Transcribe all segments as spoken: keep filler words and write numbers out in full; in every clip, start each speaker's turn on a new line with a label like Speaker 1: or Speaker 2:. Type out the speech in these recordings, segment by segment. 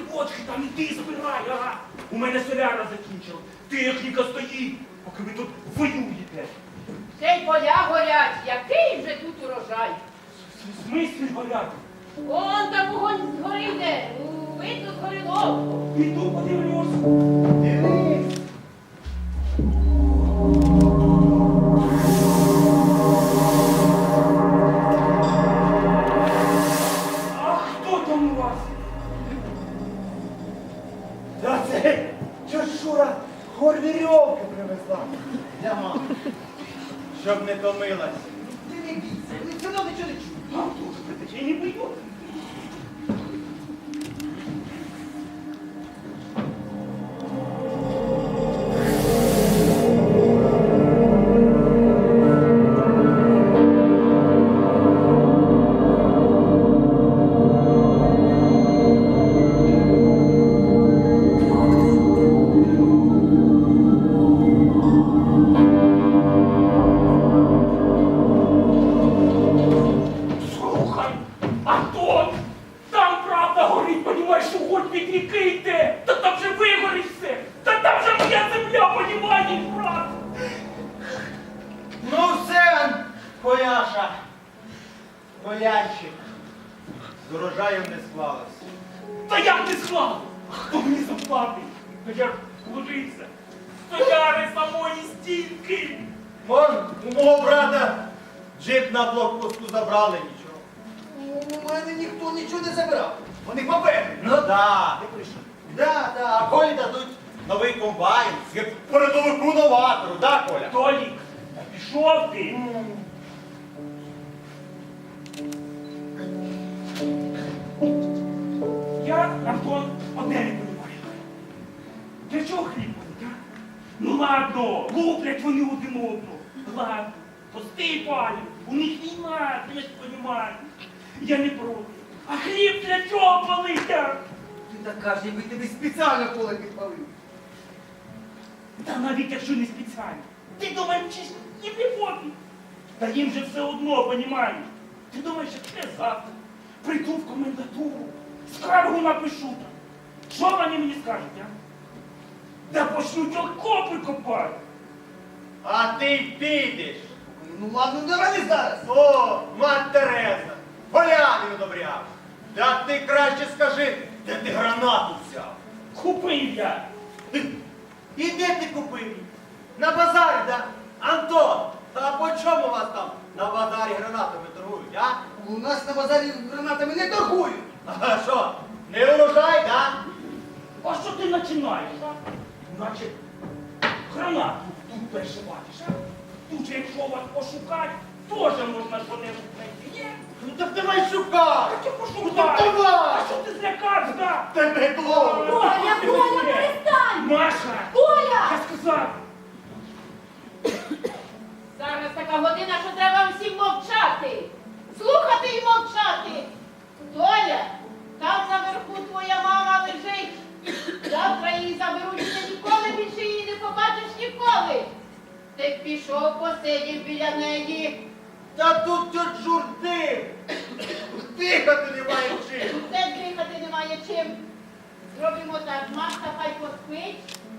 Speaker 1: водки там іди збирай, ага. У мене соляра закінчила. Техніка стоїть, поки ви тут воюєте.
Speaker 2: Ще й поля горять, який вже тут урожай.
Speaker 1: В смислі горять?
Speaker 2: Он там вогонь згори йде, видно згоріло.
Speaker 1: Іду подивлюсь.
Speaker 3: Дивись.
Speaker 1: А хто там у вас?
Speaker 3: Та це чешура горвірьовки привезла для мами. Щоб не томилась. Ти не бійся, ви все одно нічого не чуєш.
Speaker 1: А тут притече не бою. Слухай, а то там правда горить, понімаєш, вогонь від ріки йде. Та там же вигорить все. Та там же моя земля, понімаєш, брат.
Speaker 3: Ну все, Коляша, Колянчик, з урожаєм не склалось.
Speaker 1: Та як ти склав? Хто мені заплатить? Та я ж вложився. Стояри самої стільки.
Speaker 3: Вон, у мого брата джип на блокпосту забрали нічого.
Speaker 4: У мене ніхто нічого не забирав. Вони папери.
Speaker 3: Ну да. Да, да, а Колі дадуть новий комбайн, як передовику новатору, да, Коля?
Speaker 1: Толік, та пішов ти. Я, Антон, одне не розумію. Для чого хліб будуть, а? Ну ладно, луплять вони один одного. Ладно, пусти палю, у них війна, ти ж розумієш. Я не проти. А хліб для чого палить, а?
Speaker 4: Ти так кажеш, ніби тобі спеціально поле підпалив.
Speaker 1: Та навіть якщо не спеціально. Ти думаєш, чи ж їм не пофіг? Та їм же все одно, понімаєш? Ти думаєш, що це завтра? Прийду в комендатуру, скаргу напишу там. Що вони мені скажуть, а? Та почнуть окопи копати.
Speaker 3: А ти підеш.
Speaker 4: Ну ладно, давай зараз.
Speaker 3: О, мать Тереза, поляни одобряв. Та ти краще скажи, де ти гранату взяв?
Speaker 1: Купив я.
Speaker 3: І де ти купив її? На базарі, да? Антон, а по чому у вас там на базарі гранатами торгують, а?
Speaker 4: У нас на базарі гранатами не торгують.
Speaker 3: А що, не урожай, да?
Speaker 1: А що ти починаєш, а? Наче гранату тут перше бачиш, а? Тут же, якщо вас пошукати, теж можна що-небудь знайти, ні?
Speaker 3: Ну так давай шукай!
Speaker 1: Так я
Speaker 3: Ну
Speaker 1: пошукаю.
Speaker 3: так давай!
Speaker 1: А що ти злякався, да?
Speaker 3: Тебе клоун!
Speaker 2: Коля, Коля, перестань!
Speaker 1: Маша!
Speaker 2: Коля!
Speaker 1: Я сказав!
Speaker 2: Зараз така година, що треба всім мовчати. Слухати і мовчати. Толя, там наверху твоя мама лежить. Завтра її заберуть, і ти ніколи більше її не побачиш ніколи. Ти пішов, посидів біля неї.
Speaker 3: Та тут тьот журди! Дихати немає чим!
Speaker 2: Де дихати немає чим. Зробимо так, Машка хай поспить.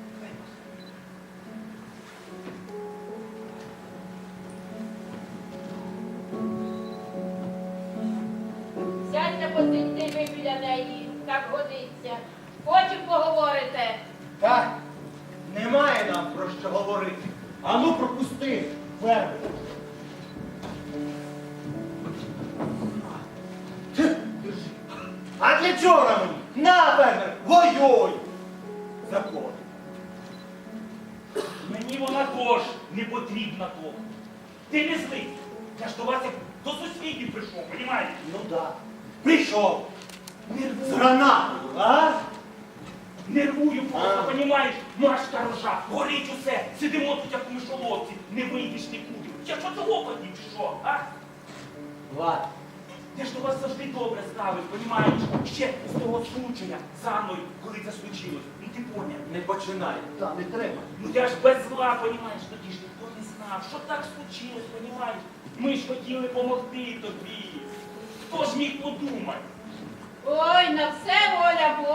Speaker 2: Сядьте, посидьте ви біля неї, так годиться. Потім поговорите.
Speaker 3: Так, немає нам про що говорити. Ану пропусти, фермер. А для чого вона мені? На, фермер, воюй! Закон.
Speaker 1: Мені вона теж не потрібна того. Ти не злий. Я ж до вас як до сусідів прийшов, понімаєш?
Speaker 3: Ну да. Прийшов. З
Speaker 1: Нервую.
Speaker 3: гранатою, а?
Speaker 1: Нервую просто,
Speaker 3: А.
Speaker 1: понімаєш? Машка рожа, горить усе. Сидимо тут, як у мишоловці, не вийдеш нікуди. Я що цього подів, чи що, а?
Speaker 3: Ладно.
Speaker 1: Я ж до вас завжди добре ставив, понімаєш? Ще з того случая, за мною, коли це случилось. Ну ти поняв.
Speaker 3: Не починай.
Speaker 4: Та не треба.
Speaker 1: Ну я ж без зла, понімаєш, тоді ж ніхто не знав, що так случилось, понімаєш? Ми ж хотіли помогти тобі. Хто ж міг подумати?
Speaker 2: Ой, на все воля Божа.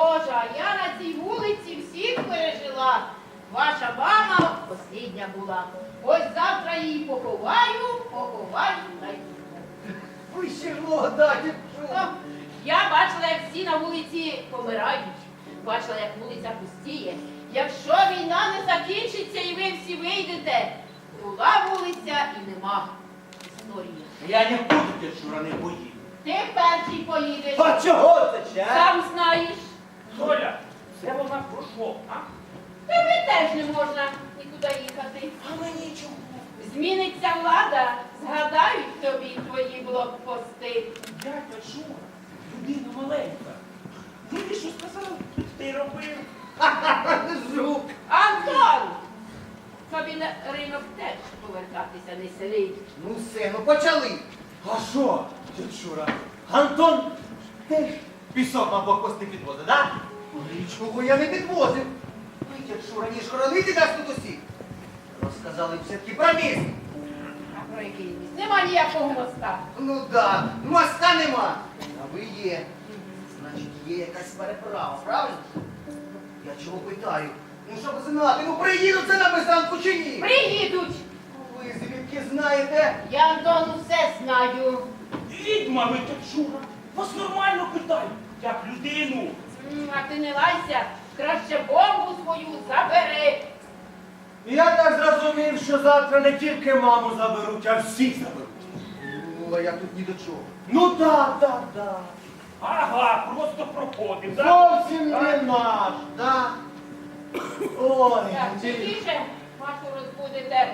Speaker 2: я на цій вулиці всіх пережила. Ваша мама послідня була. Ось завтра її поховаю, поховаю та й піду.
Speaker 4: Ви ще ж молода,
Speaker 2: Ну,
Speaker 4: дівчина.
Speaker 2: я бачила, як всі на вулиці помирають. Бачила, як вулиця пустіє. Якщо війна не закінчиться і ви всі вийдете, була вулиця і нема історії.
Speaker 1: Я не буду, дядь Шура, не поїду.
Speaker 2: Ти перший поїдеш.
Speaker 3: А чого це ще?
Speaker 2: Сам знаєш.
Speaker 1: Толя, це вона про що, а?
Speaker 2: Тобі теж не можна нікуди їхати.
Speaker 1: А мені чого?
Speaker 2: Зміниться влада, згадають тобі твої блокпости.
Speaker 1: Дядя Шура, людина маленька. Ну ти що сказав, ти робив.
Speaker 4: Жук.
Speaker 2: Антон! Тобі на ринок теж повертатися не селить.
Speaker 4: Ну все, ну почали.
Speaker 3: А що, дядь Шура? Антон теж пісок на блокпости підвозить, так?
Speaker 4: Нічого я не підвозив. Ви, дядь Шура, ніж хоронити нас тут усіх. Розказали все-таки про міст.
Speaker 2: А про який міст? Нема ніякого моста.
Speaker 4: Ну да, моста нема. А ви є. Значить, є якась переправа, правильно? Я чого питаю? Ну щоб знати, ну приїдуть це на Бесанку чи ні?
Speaker 2: Приїдуть!
Speaker 4: Ви звідки знаєте?
Speaker 2: Я, Антон, усе знаю.
Speaker 1: Відьма ви, дядь Шура. Вас нормально питають, як людину.
Speaker 2: М, А ти не лайся, краще бомбу свою забери.
Speaker 3: Я так зрозумів, що завтра не тільки маму заберуть, а всіх заберуть.
Speaker 4: Ну, а я тут ні до чого.
Speaker 3: Ну так, так, так.
Speaker 1: Ага, просто проходив. да?
Speaker 3: Зовсім
Speaker 1: А?
Speaker 3: не наш.
Speaker 4: Да.
Speaker 3: Ой,
Speaker 2: Так,
Speaker 3: ті-
Speaker 2: тихіше, Машу розбудете.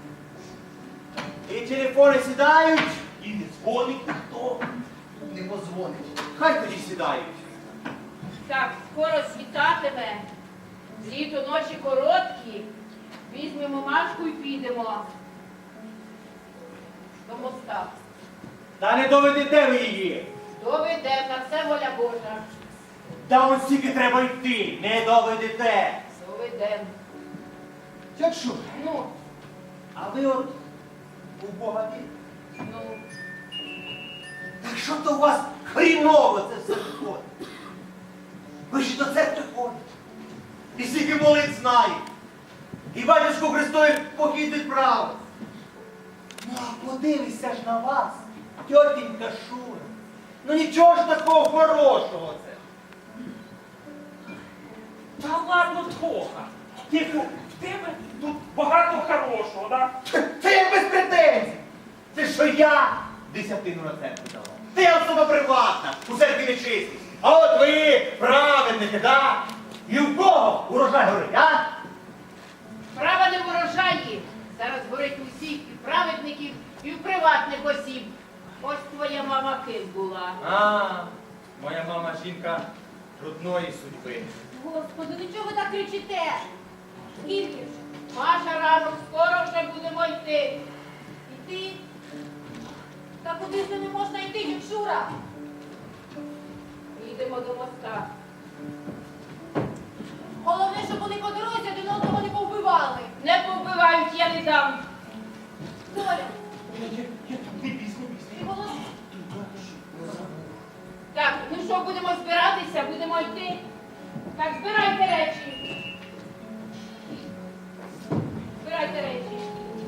Speaker 3: і телефони сідають,
Speaker 1: І не дзвонить ніхто.
Speaker 4: Не позвонить.
Speaker 3: хай тоді сідають.
Speaker 2: Так, скоро світатиме. Літо ночі короткі. Візьмемо Машку і підемо до моста.
Speaker 3: Та не доведете ви її.
Speaker 2: Доведемо, на це воля Божа.
Speaker 3: Та ось тільки треба йти, не доведете.
Speaker 2: Доведемо.
Speaker 3: Як що?
Speaker 2: Ну,
Speaker 3: А ви от у Бога вірите?
Speaker 2: ну.
Speaker 3: Так що то у вас хріново це все виходить? Ви ж до церкви ходите. І скільки молитв знає. І батюшку Христові похід відправив. Ну а подивися ж на вас, тьотінька Шура. Ну нічого ж такого хорошого це.
Speaker 1: Та ладно, Тоха. Тихо, в тебе тут багато хорошого, да?
Speaker 3: Це як без претензій. Це що я десятину на церкву давав. Ти особа приватна, у церкві не чистий. А от ви праведники, да? І в кого урожай горить, а?
Speaker 2: Справа не в урожаї. Зараз горить у всіх і праведників, і в приватних осіб. Ось твоя мама ким була.
Speaker 3: А, моя мама жінка трудної судьби.
Speaker 5: Господи, ну чого ви так кричите? Скільки ж?
Speaker 2: Маша, ранок, скоро вже будемо йти.
Speaker 5: Іти? Та куди ж не можна йти, Якшура?
Speaker 2: Їдемо до моста.
Speaker 5: Головне, щоб вони по дорозі один одного не повбивали.
Speaker 2: Не повбивають, я не дам.
Speaker 5: Коля,
Speaker 1: Я, я, я тут не бійся, не бійся.
Speaker 5: ти голос...
Speaker 2: Так, ну що, будемо збиратися, будемо йти. Так, збирайте речі. Збирайте речі.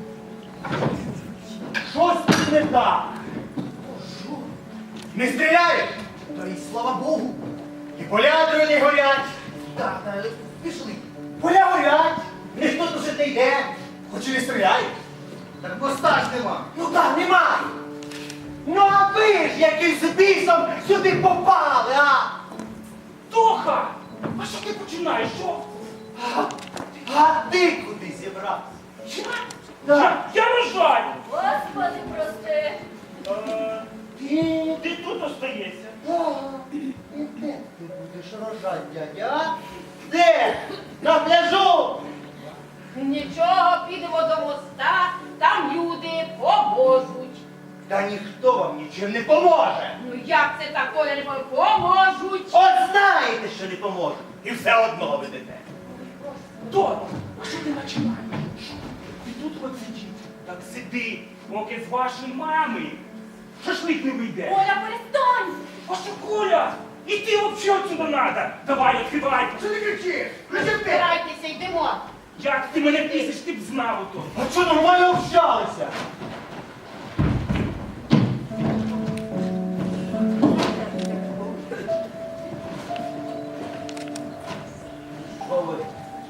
Speaker 3: Щось тут не так. Не стріляють,
Speaker 4: Та й слава Богу.
Speaker 3: і поля другі не горять.
Speaker 4: Так, та пішли.
Speaker 3: Поля горять, ніхто тут не йде, хоч і не стріляють.
Speaker 4: Так моста ж нема.
Speaker 3: Ну так, немає. Ну а ви ж яким з бісом сюди попали, а?
Speaker 1: Тоха! А що ти починаєш? Що?
Speaker 3: А, а ти куди зібрався?
Speaker 1: Я?
Speaker 3: Так.
Speaker 1: Я, я рожаю.
Speaker 5: Господи, прости.
Speaker 1: Е,
Speaker 3: Ти,
Speaker 1: ти тут остаєшся.
Speaker 3: і де ти будеш рожати, дядя? а? Де? На пляжу?
Speaker 2: Нічого, підемо до моста, там люди поможуть.
Speaker 3: Та ніхто вам нічим не поможе.
Speaker 2: Ну як це так, Коля, не поможе? Поможуть.
Speaker 3: От знаєте, що не поможе. І все одно ведете.
Speaker 1: Толя, а що ти починаєш? Що? Ти тут от сидіть. Так сиди, поки з вашої мами шашлик не вийде.
Speaker 5: Коля, перестань!
Speaker 1: А що, Коля? І ти взагалі отсюда надо. Давай, відкривай.
Speaker 4: Що ти кричиш? Кричи ти!
Speaker 2: Збирайтеся, йдемо.
Speaker 1: Як ти мене пісиш, ти б знав ото.
Speaker 3: А що, нормально общалися? Що ви?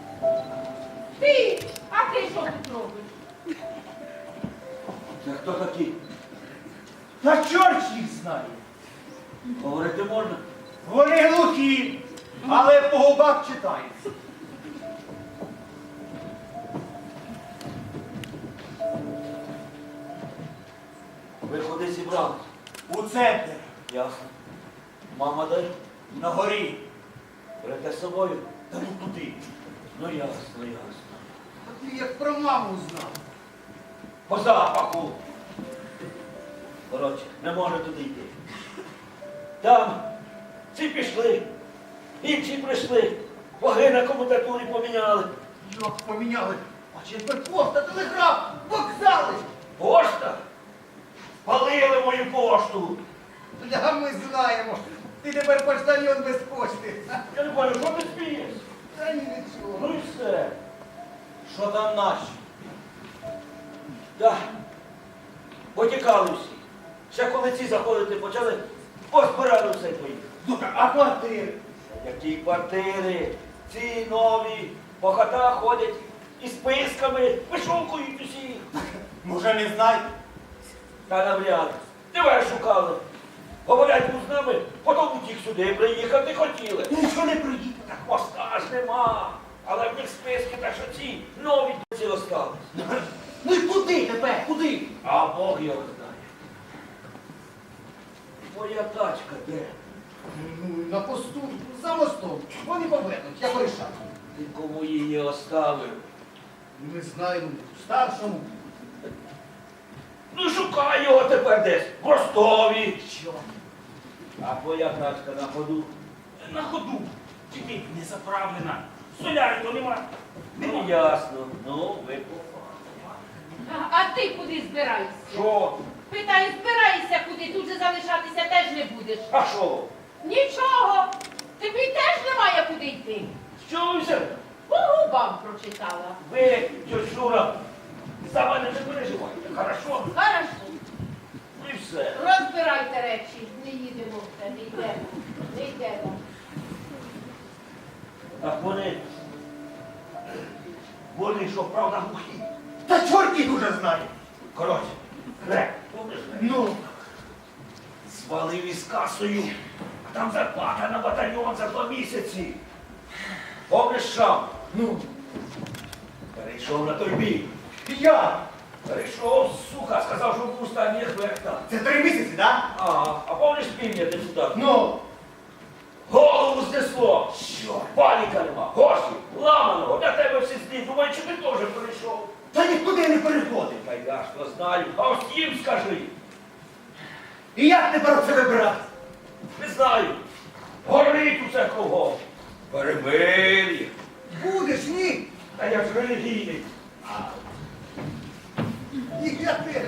Speaker 2: Ти, а ти що тут робиш?
Speaker 3: Це хто такі? Та чорт їх знає. Говорити можна? Вони глухі, але по губах читається. Ви куди зібрались? У центр. Ясно. Мама де? На горі. Берете з собою? Та ну куди? Ну ясно, ясно.
Speaker 4: А ти як про маму знав.
Speaker 3: По запаху. Коротше, не може туди йти. Там ці пішли, інші прийшли, ваги на комутатурі поміняли.
Speaker 4: Як поміняли? А чи тепер пошта, телеграф, вокзали?
Speaker 3: Пошта? Спалили мою пошту.
Speaker 4: Бля, ми знаємо. Ти тепер поштальйон без почти.
Speaker 3: Я не бачу, що ти смієш?
Speaker 4: Та ні, нічого.
Speaker 3: Ну і все. Що там наші? Так. Потікали всі. Ще коли ці заходити почали, позбирали все і поїхали.
Speaker 4: Добре, а квартири?
Speaker 3: Які квартири, ці нові, по хатах ходять із списками, вишукують усіх.
Speaker 4: Може, не знаєте?
Speaker 3: Та навряд. Тебе шукали. Говорять був з нами, потім утік сюди приїхати хотіли.
Speaker 1: Нічого не приїхав.
Speaker 3: Та хвоста ж нема. Але в них списки та що ці нові ці остались.
Speaker 4: Ну і куди тепер? Куди?
Speaker 3: А Бог його знає. Моя тачка де?
Speaker 4: Ну, на посту, за мостом. Вони повернуть, я порішав.
Speaker 3: Ти кому її оставив?
Speaker 4: Ми знаємо, старшому.
Speaker 3: Ну шукай його тепер десь. В Ростові.
Speaker 4: Що?
Speaker 3: А твоя тачка на ходу?
Speaker 1: На ходу. Тільки не заправлена. Соляри то нема.
Speaker 3: Ну ясно. Ну, ви
Speaker 2: А, а ти куди збираєшся?
Speaker 3: що?
Speaker 2: Питаю, збираєшся куди, тут же залишатися теж не будеш.
Speaker 3: А що?
Speaker 2: Нічого, тобі теж немає куди йти.
Speaker 3: Що ви взяли?
Speaker 2: По губам прочитала.
Speaker 3: Ви, тьоть Шура, за мене не переживайте, хорошо?
Speaker 2: Хорошо,
Speaker 3: Ну і все.
Speaker 2: розбирайте речі, не їдемо все, не йдемо, не йдемо.
Speaker 3: Так вони, вони що, правда, глухі?
Speaker 4: Та чорт їх уже знає.
Speaker 3: Коротше, крек, помниш?
Speaker 4: Ну,
Speaker 3: Звалив із касою, а там зарплата на батальйон за два місяці. Помниш сам?
Speaker 4: ну,
Speaker 3: Перейшов на той бій.
Speaker 4: я.
Speaker 3: Перейшов, сука, сказав, що був останній хвекта.
Speaker 4: Це три місяці, так?
Speaker 3: А, а помниш півня депутат?
Speaker 4: Ну,
Speaker 3: Голову знесло! Що? Паніка нема, гроші, ламаного, для тебе всі злі, думаю, чи ти теж перейшов?
Speaker 4: та нікуди не переходив.
Speaker 3: Та я ж то знаю, а ось їм скажи.
Speaker 4: І як тепер це вибирати?
Speaker 3: Не знаю, горить усе кругом. Перемир'я.
Speaker 4: Будеш, ні?
Speaker 3: Та я ж релігійний.
Speaker 4: І я теж.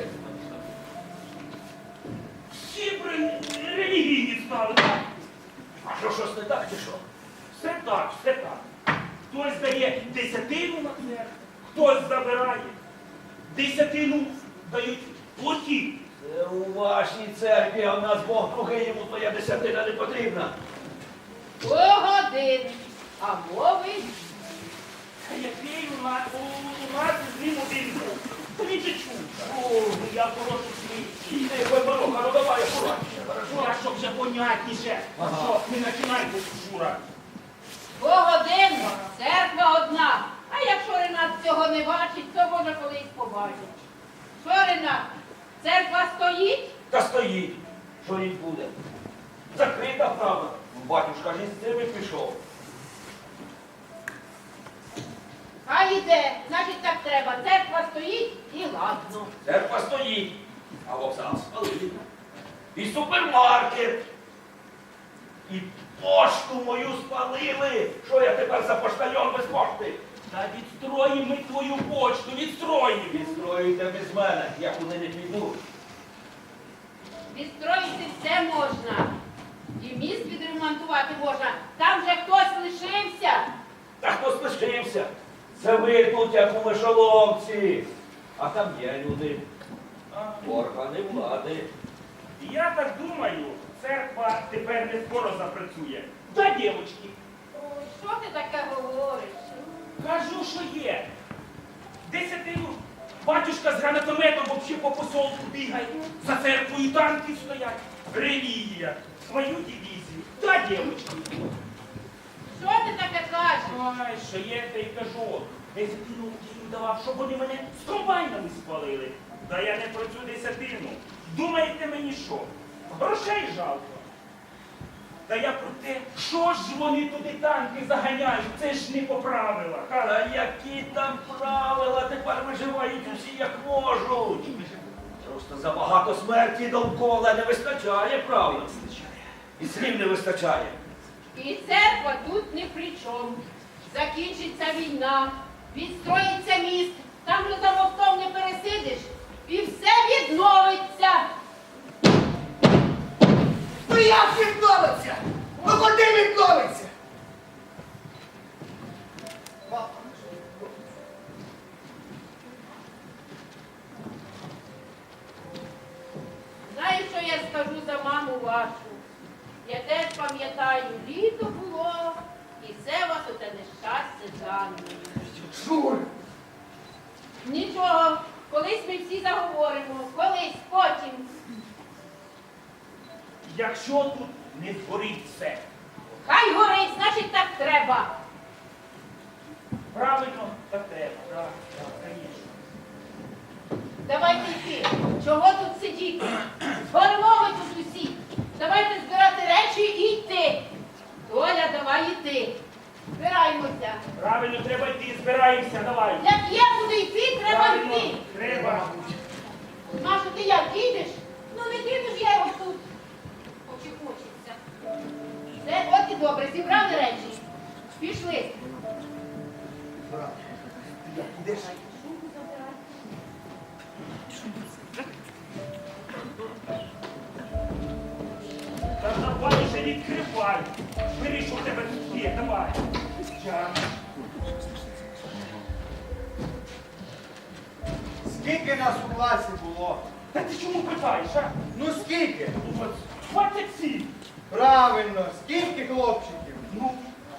Speaker 1: Всі б релігійні стали. Так?
Speaker 3: А що, щось не так чи що?
Speaker 1: Все так, все так. Хтось дає десятину на церкву, хтось забирає. Десятину дають плохі.
Speaker 3: Це у вашій церкві, а в нас Бог другий, йому твоя десятина не потрібна.
Speaker 2: Погодин, а мови
Speaker 1: А який у нас, у, у нас з ним один був. Та він же чув. О, я прошу свій.
Speaker 3: Ти, Бабароха, ну давай акуратніше, хорошо?
Speaker 1: Я щоб вже понятніше. А
Speaker 3: Ага.
Speaker 1: що, не починай, Шура.
Speaker 2: Погодин, церква одна. А якщо Ренат цього не бачить, то може колись побачить. Що, Ренат, церква стоїть?
Speaker 3: Та стоїть, що їй буде. Закрита правда. Батюшка ж із цими пішов.
Speaker 2: А йде, значить так треба. Церква стоїть і ладно.
Speaker 3: Церква стоїть, а вокзал спалили. І супермаркет. І пошту мою спалили. Що я тепер за поштальон без пошти?
Speaker 1: Та відстроїмо ми твою почту, відстроїмо.
Speaker 3: Відстроюйте без мене, я куди не піду.
Speaker 2: Відстроїти все можна. І міст відремонтувати можна. Там же хтось лишився.
Speaker 1: Та хто слишився? Це ви тут, як у мишоловці. А там є люди. Органи влади. Я так думаю, церква тепер не скоро запрацює. Да, дівчатки?
Speaker 2: Ой, що ти таке говориш?
Speaker 1: Кажу, що є. Десятину батюшка з гранатометом взагалі по посолку бігає. За церквою танки стоять. Релігія. Свою дивізію. Да, дівчатки?
Speaker 2: Що ти таке кажеш?
Speaker 1: Ай, що є, те й кажу. Десятину їм давав, щоб вони мене з комбайнами спалили. Та я не про цю десятину. Думаєте мені що? Грошей жалко. Та я про те, що ж вони туди танки заганяють, це ж не по правилах. А які там правила? Тепер виживають усі як можуть. Просто забагато смерті довкола не вистачає правил. І слів не вистачає.
Speaker 2: І церква тут ні при чому. Закінчиться війна, відстроїться міст, там же за мостом не пересидиш, і все відновиться.
Speaker 4: Ну як відновиться? Ну куди відновиться? Папа,
Speaker 2: Знаєш, що я скажу за маму вашу? Я теж пам'ятаю, літо було, і все вас оте нещастя жанне.
Speaker 4: Шур!
Speaker 2: Нічого, колись ми всі заговоримо, колись, потім.
Speaker 1: Якщо тут не згорить все,
Speaker 2: Хай горить, значить так треба.
Speaker 1: правильно, так треба. Так, так, звісно.
Speaker 2: Давайте йти. Чого тут сидіти? Згоримо ми тут усі. Давайте збирати речі і йти. Толя, давай йти. Збираємося.
Speaker 1: Правильно, треба йти, збираємося, давай.
Speaker 2: Як є куди йти, треба
Speaker 1: Правильно,
Speaker 2: йти.
Speaker 1: треба.
Speaker 2: Маша, ти як, їдеш?
Speaker 5: Ну не діду ж я його тут. Очі хочеться.
Speaker 2: Все, от і добре, зібрали речі. Пішли.
Speaker 4: Брат, ти як ідеш?
Speaker 2: Шубу забирай.
Speaker 1: Та давай вже відкривай. Бери, що в тебе тут є, давай. Я.
Speaker 4: Скільки нас у класі було?
Speaker 1: Та ти чому питаєш, а?
Speaker 4: Ну скільки?
Speaker 1: Ну, от двадцять сім.
Speaker 4: Правильно, скільки хлопчиків?
Speaker 1: Ну,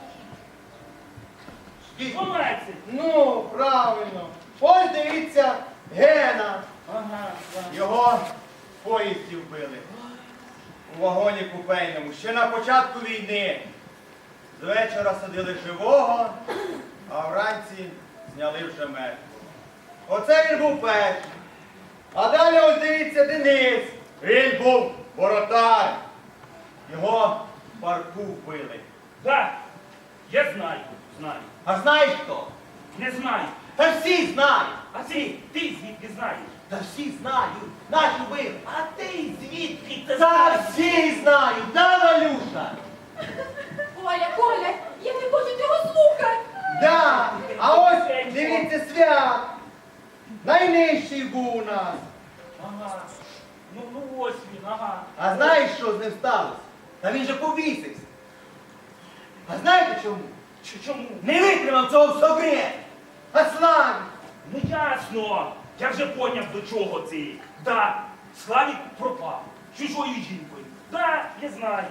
Speaker 4: Скільки?
Speaker 1: дванадцять.
Speaker 4: Ну, правильно. Ось дивіться, Гена.
Speaker 1: Ага, ага.
Speaker 4: Його в поїзді вбили. У вагоні купейному. Ще на початку війни. З вечора садили живого, а вранці зняли вже мертвого. Оце він був перший. А далі ось дивіться Денис. Він був воротар. Його в парку вбили.
Speaker 1: Да, я знаю, знаю.
Speaker 4: А знаєш хто?
Speaker 1: Не знаю.
Speaker 4: Та всі знають.
Speaker 1: А ти, ти звідки знаєш?
Speaker 4: Та всі знають. Наші вбили.
Speaker 1: А ти звідки це
Speaker 4: Та
Speaker 1: знаєш?
Speaker 4: всі знають, да, Валюша?
Speaker 5: Коля, Коля, я не хочу цього слухати.
Speaker 4: Да. А ось дивіться свят. Найнижчий був у нас.
Speaker 1: Ага. Ну, ну ось він, ага.
Speaker 4: А знаєш, що з ним сталося? Та він же повісився. А знаєте чому?
Speaker 1: Ч- Чому?
Speaker 4: Не витримав цього в собі. А Славік.
Speaker 1: Ну ясно. Я вже поняв, до чого це. Да, Славік пропав. Чужою жінкою. Да, я знаю.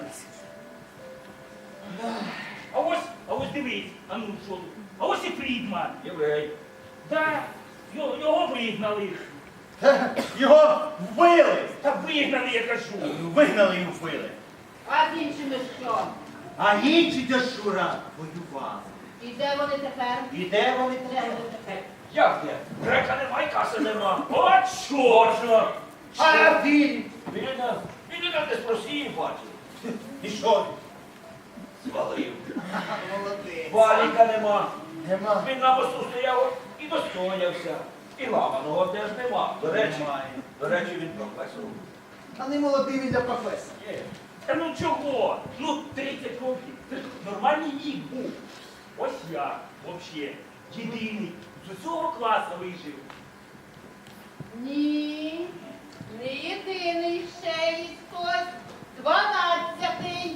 Speaker 1: А ось, а ось дивись, а ну що тут? А ось і Фрідман. Єврей. Да, його, його вигнали.
Speaker 4: Та Його вбили.
Speaker 1: Та вигнали, я кажу.
Speaker 4: Вигнали і вбили.
Speaker 2: А з іншими що?
Speaker 4: А інші Шура воювали.
Speaker 2: І де вони тепер?
Speaker 4: І де вони
Speaker 2: Де
Speaker 4: тепер?
Speaker 2: вони тепер?
Speaker 1: Як не? Грека немає, каси нема. От чорно.
Speaker 4: А він?
Speaker 1: Він він десь з Росії бачив.
Speaker 4: І що?
Speaker 1: Звалив.
Speaker 4: Молодець.
Speaker 1: Валіка нема.
Speaker 4: Нема.
Speaker 1: Він на мосту стояв і достоявся. І ламаного теж нема. До речі,
Speaker 4: Немає.
Speaker 1: до речі, він професор.
Speaker 4: А не молодий він для професора.
Speaker 1: Є. Та ну чого? Ну, тридцять років. Це ж нормальний вік був. Ось я, взагалі, єдиний. З усього класу вижив.
Speaker 2: Ні, не єдиний ще є хтось. Дванадцятий.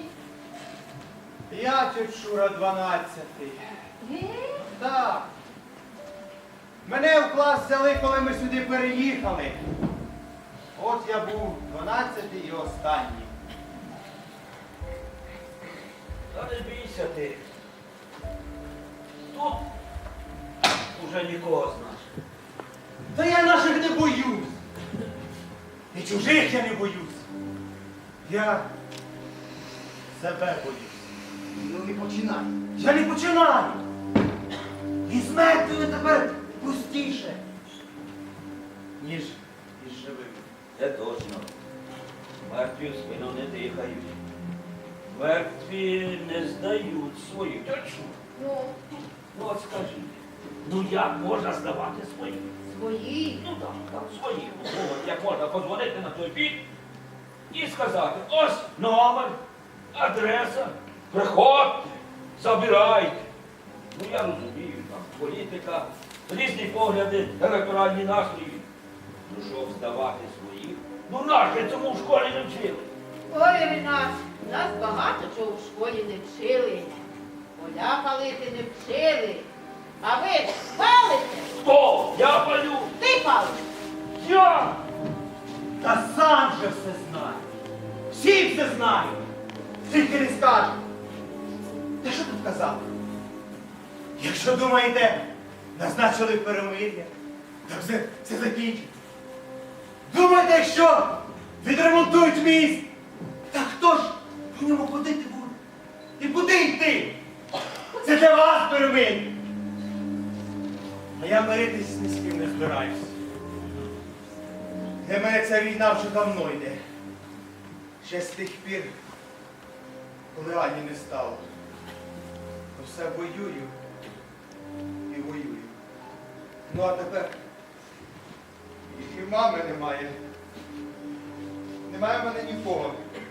Speaker 4: Я тьоть Шура дванадцятий. Так. Мене в клас взяли, коли ми сюди переїхали. От я був дванадцятий і останній.
Speaker 1: Та не бійся ти. Тут уже нікого знаєш.
Speaker 3: Та я наших не боюсь. І чужих я не боюсь.
Speaker 4: Я себе боюсь.
Speaker 3: Ну не починай. Я не починаю. І з мертвими тепер пустіше, ніж із живими.
Speaker 1: Це точно. Мертві в спину не дихають. Мертві не здають своїх. Точно.
Speaker 2: Ну,
Speaker 1: Ну от скажи, ну як можна здавати своїх?
Speaker 2: свої.
Speaker 1: Ну так, так, своїх. Ну, от як можна подзвонити на той бік і сказати, ось номер, адреса, приходьте, забирайте. Ну я розумію, там політика, різні погляди, електоральні настрої. Ну що здавати своїх? Ну наш же цьому в школі не вчили.
Speaker 2: Ой, Ренат, нас багато чого в школі не вчили. Поля палити не вчили. А ви ж палите?
Speaker 1: Хто? Я палю.
Speaker 2: Ти палиш.
Speaker 1: Я!
Speaker 3: Та сам же все знає. Всі все знають. Тільки не скажуть. Та що тут казати? Якщо думаєте, назначили перемир'я, так все, все закінчиться. Думаєте, якщо відремонтують міст, та хто ж по ньому ходити буде? І куди йти? Це для вас перемир'я. А я миритись ні з ким не збираюсь. Для мене ця війна вже давно йде. Ще з тих пір, коли Ані не стало. То все воюю і воюю. Ну а тепер і мами немає. Немає в мене нікого.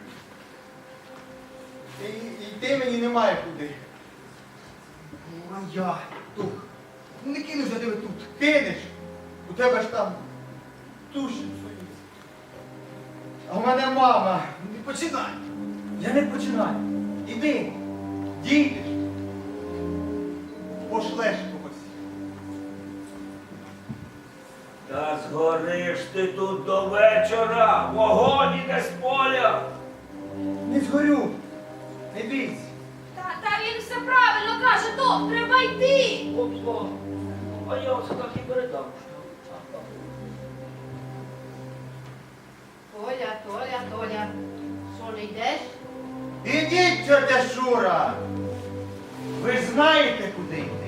Speaker 3: І, і йти мені немає куди. Ну а я тут. Ну не кину за тебе тут.
Speaker 4: Кинеш, у тебе ж там душі свої. А в мене мама.
Speaker 3: Не починай. Я не починаю. Іди.
Speaker 4: Дійдеш, пошлеш когось.
Speaker 1: Та згориш ти тут до вечора, вогонь іде з поля.
Speaker 4: Не згорю, не бійся.
Speaker 5: Та, та він все правильно каже, то треба йти.
Speaker 1: Опа, а я оце так і передам.
Speaker 2: Толя, Толя, Толя. Що не йдеш?
Speaker 3: Ідіть, тьотя Шура. Ви ж знаєте, куди йти.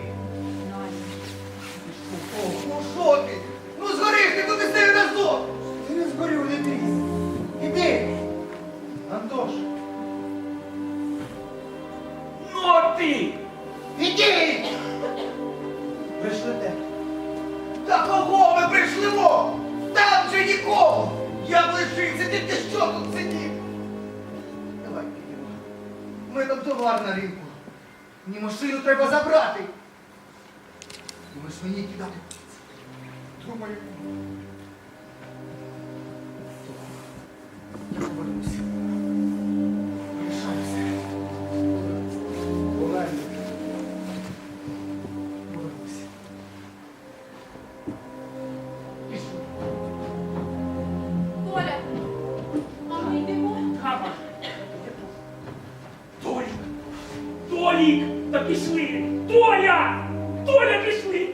Speaker 3: О, ну що ти? Ну згорів ти туди стою разом. Ти не згорів, не бійся. Іди. Антош.
Speaker 1: Ну а ти!
Speaker 3: Ідіть! Прийшлите. Та кого ми прийшлимо? Там же нікого! Я б лишився, ти, ти що тут сидів? Давай підемо. Ми там товар на ринку. Мені машину треба забрати. Думаєш, мені кидати? Думаю. Я повернуся. Лишаюся. Повернуся. Повернуся. Пішли.
Speaker 5: Толя, а ми йдемо.
Speaker 1: Кама. Толік! Толік! Та пішли! Толя! Толя, пішли!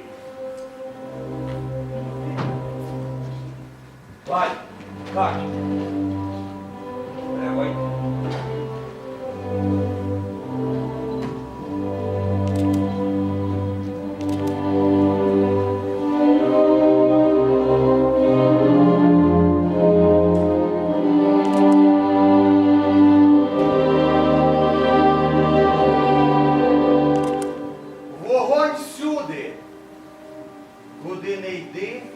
Speaker 1: Валь, Кать. Давай.
Speaker 3: Вогонь всюди. Куди не йди,